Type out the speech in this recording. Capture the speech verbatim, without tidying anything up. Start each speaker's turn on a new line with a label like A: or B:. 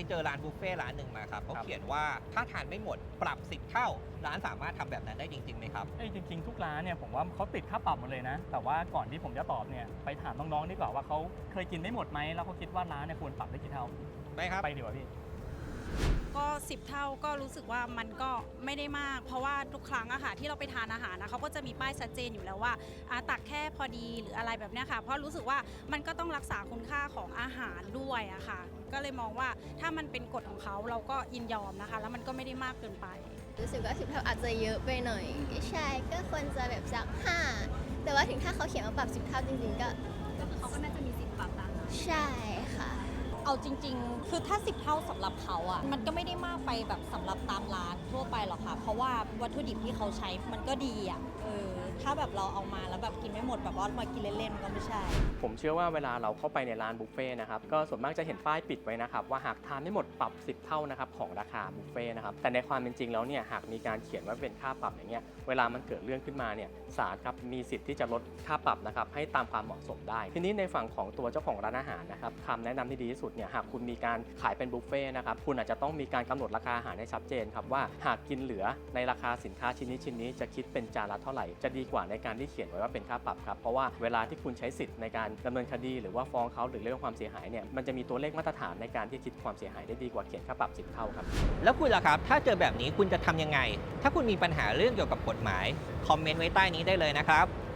A: เจอร้านบุฟเฟ่ร้านหนึ่งมาครับเขาเขียนว่าถ้าทานไม่หมดปรับสิบเท่าร้านสามารถทำแบบนั้นได้จริงๆไหมครับ
B: เอ้ยจริงๆทุกร้านเนี่ยผมว่าเขาติดค่าปรับหมดเลยนะแต่ว่าก่อนที่ผมจะตอบเนี่ยไปถามน้องๆดีกว่าว่าเขาเคยกินไม่หมดไหมแล้วเขาคิดว่าร้านเนี่ยควรปรับได้กี่เท่า
A: ไปครับ
B: ไปดีกว่าพี่
C: ก็สิบเท่าก็รู้สึกว่ามันก็ไม่ได้มากเพราะว่าทุกครั้งอะค่ะที่เราไปทานอาหารนะเขาก็จะมีป้ายชัดเจนอยู่แล้วว่าตักแค่พอดีหรืออะไรแบบนี้ค่ะเพราะรู้สึกว่ามันก็ต้องรักษาคุณค่าของอาหารด้วยอะค่ะก็เลยมองว่าถ้ามันเป็นกฎของเขาเราก็ยินยอมนะคะแล้วมันก็ไม่ได้มากเกินไป
D: รู้สึกว่าสิบเท่าอาจจะเยอะไปหน่อยใช่ก็ควรจะแบบสักห้าแต่ว่าถึงถ้าเขาเขียนว่าปรับสิบเท่าจริงๆก็
E: ก็คือเขาก็น่าจะมีสิทธิ์ปรับตามนั้น
D: ใช่ค่ะ
F: เอาจริงๆคือถ้าสิบเท่าสำหรับเขาอ่ะมันก็ไม่ได้มากไปแบบสำหรับตามร้านทั่วไปหรอกค่ะเพราะว่าวัตถุดิบที่เขาใช้มันก็ดีอ่ะเออถ้าแบบเราเอามาแล้วแบบกินไม่หมดแบบว่ามากินเล่นๆก็ไม่ใช่
G: ผมเชื่อว่าเวลาเราเข้าไปในร้านบุฟเฟ่นะครับก็ส่วนมากจะเห็นป้ายปิดไว้นะครับว่าหากทานไม่หมดปรับสิบเท่านะครับของราคาบุฟเฟ่นะครับแต่ในความเป็นจริงแล้วเนี่ยหากมีการเขียนว่าเป็นค่าปรับอย่างเงี้ยเวลามันเกิดเรื่องขึ้นมาเนี่ยศาลครับมีสิทธิ์ที่จะลดค่าปรับนะครับให้ตามความเหมาะสมได้ทีนี้ในฝั่งของตัวเจ้าของร้านอาหารนะครับคำแนะนำที่ดีที่สุดเนี่ยหากคุณมีการขายเป็นบุฟเฟ่นะครับคุณอาจจะต้องมีการกำหนดราคาอาหารให้ชัดเจนครับว่าหากกินเหลือในราคาสินค้าชิ้นนี้ชิ้นนี้จะคิดเป็นจานละเท่าไหร่จะดีกว่าในการที่เขียนไว้ว่าเป็นค่าปรับครับเพราะว่าเวลาที่คุณใช้สิทธิ์ในการดำเนินคดีหรือว่าฟ้องเขาหรือเรื่องความเสียหายเนี่ยมันจะมีตัวเลขมาตรฐานในการที่คิดความเสียหายได้ดีกว่าเขียนค่าปรับสิบเท่าครับ
A: แล้วคุณล่ะครับถ้าเจอแบบนี้คุณจะทำยังไงถ้าคุณมีปัญหาเรื่องเกี่ยวกับกฎหมายคอมเมนต์ไว้ใต้นี้ได้เลยนะครับ